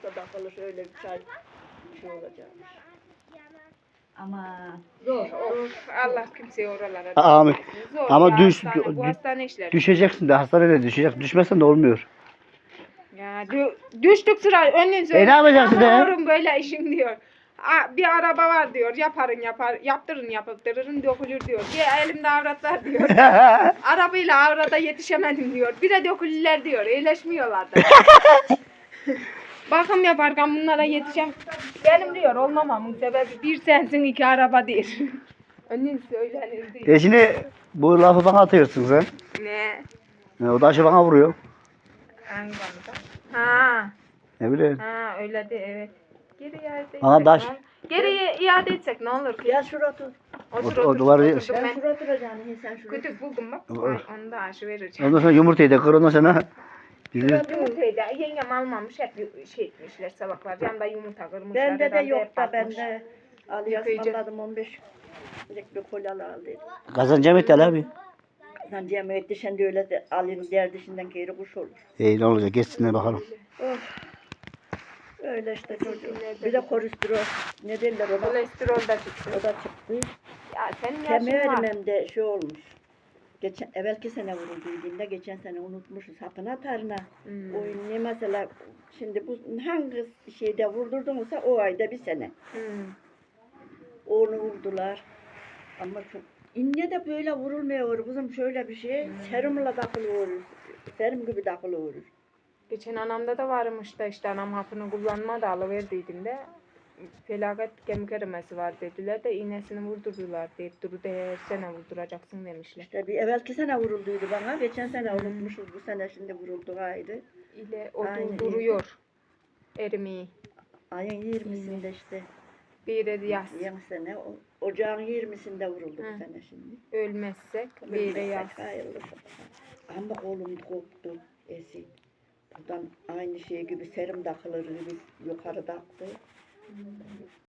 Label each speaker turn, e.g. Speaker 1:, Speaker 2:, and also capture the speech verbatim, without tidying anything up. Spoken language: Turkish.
Speaker 1: hasta takılır öyle bir çay bir şey olacakmış.
Speaker 2: Ama
Speaker 1: Zor.
Speaker 3: Of, Allah kimseye oralara
Speaker 4: Amin.
Speaker 3: düşürmesin. Zor
Speaker 4: Ama
Speaker 3: ya,
Speaker 4: düş,
Speaker 3: hastane, bu
Speaker 4: dü-
Speaker 3: hastane işleri.
Speaker 4: düşeceksin de hastanede düşecek. Düşmezsen de olmuyor.
Speaker 3: Ya dü- düştük sıra önün
Speaker 4: E ne yapacaksın de?
Speaker 3: Yavrum böyle işim diyor. A- bir araba var diyor. Yaparın yapar. Yaptırın yaptırırın dökülür diyor. Bir elimde avrat var diyor. Arabayla avrata yetişemedim diyor. Bir de dökülürler diyor. İyileşmiyorlar da. Bakım yaparken bunlara yetişem. Benim diyor olmamamın sebebi bir sensin iki araba değil. Önün söylenir değil.
Speaker 4: E şimdi bu lafı bana atıyorsun sen.
Speaker 3: Ne?
Speaker 4: E, o taşı bana vuruyor.
Speaker 3: Hangi konuda? Ha.
Speaker 4: Ne bileyim.
Speaker 3: Ha öyle de evet. Geri iade etsek.
Speaker 4: Bana taş-
Speaker 3: ne olur? Geri iade etsek ne olur ki?
Speaker 1: Gel şuraya otur.
Speaker 3: Otur
Speaker 4: o- o
Speaker 3: otur.
Speaker 4: duvarı-
Speaker 3: Oturdum
Speaker 1: Sen
Speaker 3: ben.
Speaker 1: şuraya oturacaksın. Sen şuraya.
Speaker 3: Kütük buldum bak.
Speaker 4: Olur.
Speaker 3: Ay, onu da aşı vereceğim.
Speaker 4: Ondan sonra yumurtayı da kır ondan sonra. Bizi-
Speaker 3: Yumurtayı da yengem almamış hep şey etmişler sabahlar. Yanında yumurta kırmışlar.
Speaker 1: Bende de
Speaker 3: herhalde
Speaker 1: yok
Speaker 3: hep
Speaker 1: da
Speaker 3: bakmış.
Speaker 1: bende. Ali
Speaker 3: Yıkayıcı.
Speaker 1: ısmarladım on beş. Bir kolyalı aldı.
Speaker 4: Kazanacağım et abi.
Speaker 1: Sen cemiyet dışında öyle de Ali'nin diğer dışından geri kuş olur.
Speaker 4: İyi ne olacak geçsinler bakalım.
Speaker 1: Of. Öyle işte çocuğum. Bir de kolesterol. Ne derler ona?
Speaker 3: Kolesterol da çıktı.
Speaker 1: O da çıktı.
Speaker 3: Ya senin yaşın
Speaker 1: Kemer
Speaker 3: var.
Speaker 1: erimemde şey olmuş. Geçen, evvelki sene vurulduğunda geçen sene unutmuşuz hapına tarına.
Speaker 3: Hmm.
Speaker 1: O ne mesela şimdi bu hangi şeyde vurdurdunsa o ayda bir sene.
Speaker 3: Hmm.
Speaker 1: Onu vurdular. Ama çok inne de böyle vurulmuyor kızım şöyle bir şey.
Speaker 3: Hmm.
Speaker 1: Serumla takılıyor. Serum gibi takılıyor.
Speaker 3: Geçen anamda da varmış da işte anam hapını kullanmadı alıverdiydim de felaket kemik erimesi var dediler de iğnesini vurdurdular deyip duru her sene vurduracaksın demişler.
Speaker 1: İşte bir evvelki sene vurulduydu bana. Geçen sene unutmuşuz. Bu sene şimdi vuruldu ayrı.
Speaker 3: İle o
Speaker 1: Aynen.
Speaker 3: duruyor erimeyi.
Speaker 1: Ayın yirmisinde işte.
Speaker 3: Bir yaz
Speaker 1: Yeni sene. o- Ocağın yirmisinde vuruldu
Speaker 3: Hı.
Speaker 1: bu sene şimdi.
Speaker 3: ölmezsek bir yaz.
Speaker 1: Hayırlısı. Ama kolum koptu. Esi. Buradan aynı şey gibi serum takılır gibi yukarı taktı.